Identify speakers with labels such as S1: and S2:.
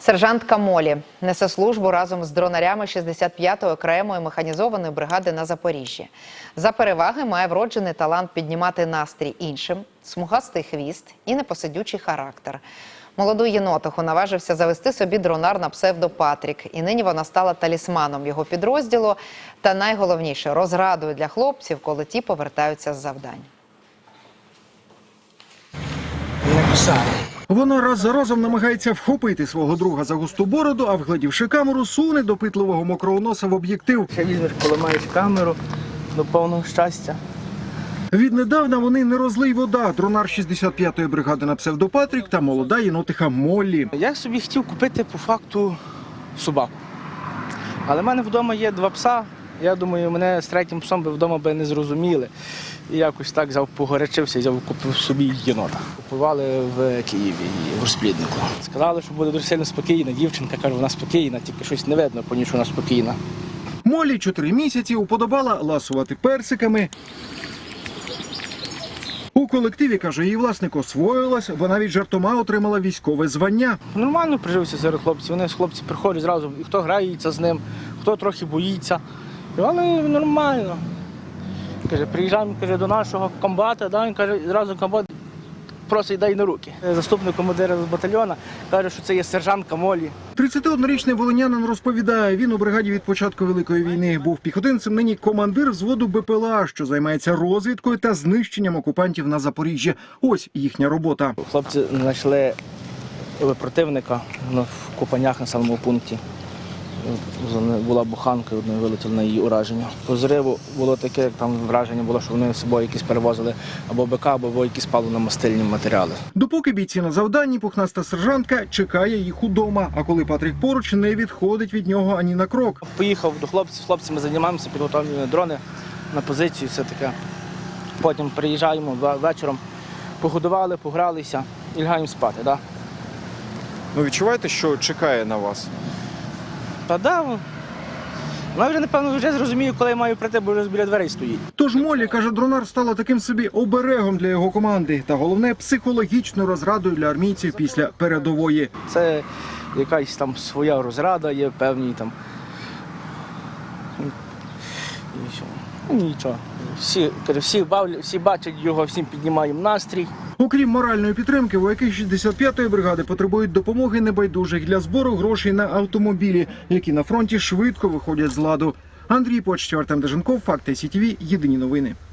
S1: Сержантка Молі несе службу разом з дронарями 65-ї окремої механізованої бригади на Запоріжжі. За переваги має вроджений талант піднімати настрій іншим, смугастий хвіст і непосидючий характер. Молоду єнотиху наважився завести собі дронар на псевдо Патрік. І нині вона стала талісманом його підрозділу та, найголовніше, розрадою для хлопців, коли ті повертаються з завдань.
S2: Вона раз за разом намагається вхопити свого друга за густу бороду, а вгледівши камеру, суне допитливого мокрого носа в об'єктив.
S3: Ще візьмеш, поламаєш камеру до повного щастя.
S2: Віднедавна вони не розлий вода. Дронар 65-ї бригади на псевдо Патрік та молода єнотиха Моллі.
S3: Я собі хотів купити по факту собаку. Але в мене вдома є 2 пса. Я думаю, мене з 3-м псом би вдома би не зрозуміли. І якось так взяв, погорячився і купив собі єнота. Купували в Києві, в розпліднику. Сказали, що буде дуже сильно спокійна. Дівчинка каже, вона спокійна, тільки щось не видно, по ній, що вона спокійна.
S2: Моллі 4 місяці уподобала ласувати персиками. У колективі, каже, її власник освоїлась, бо навіть жартома отримала військове звання.
S3: Нормально прижився серед хлопців. Вони хлопці приходять зразу, і хто грається з ним, хто трохи боїться. Але нормально. Каже, приїжджаємо, каже, до нашого комбата, да, він каже, зразу комбат просить дай на руки. Заступник командира з батальйону каже, що це є сержантка Моллі.
S2: 31-річний волинянин розповідає, він у бригаді від початку Великої війни був піхотинцем, нині командир взводу БПЛА, що займається розвідкою та знищенням окупантів на Запоріжжі. Ось їхня робота.
S3: Хлопці знайшли противника в Купанях на самому пункті. Була буханка, одною вилетіла на її ураження. По зриву було таке, як там враження було, що вони з собою якісь перевозили або БК, або якісь паливно-мастильні матеріали.
S2: Допоки бійці на завданні, пухнаста сержантка чекає їх удома, а коли Патрік поруч, не відходить від нього ані на крок.
S3: Поїхав до хлопців, з хлопцями займаємося, підготовлюємо дрони на позицію, все таке. Потім приїжджаємо вечором, погодували, погралися і лягаємо спати. Да?
S4: Ну, відчуваєте, що чекає на вас?
S3: Та да, вона вже, напевно, вже зрозумію, коли я маю прийти, бо вже біля дверей стоїть.
S2: Тож Моллі, каже, дронар стала таким собі оберегом для його команди. Та головне, психологічною розрадою для армійців після передової.
S3: Це якась там своя розрада є, певні там. Нічого. Всі бачать його, всім піднімаємо настрій.
S2: Окрім моральної підтримки, вояки 65-ї бригади потребують допомоги небайдужих для збору грошей на автомобілі, які на фронті швидко виходять з ладу. Андрій Почтєв, Артем Деженков, Факти СІТВ, єдині новини.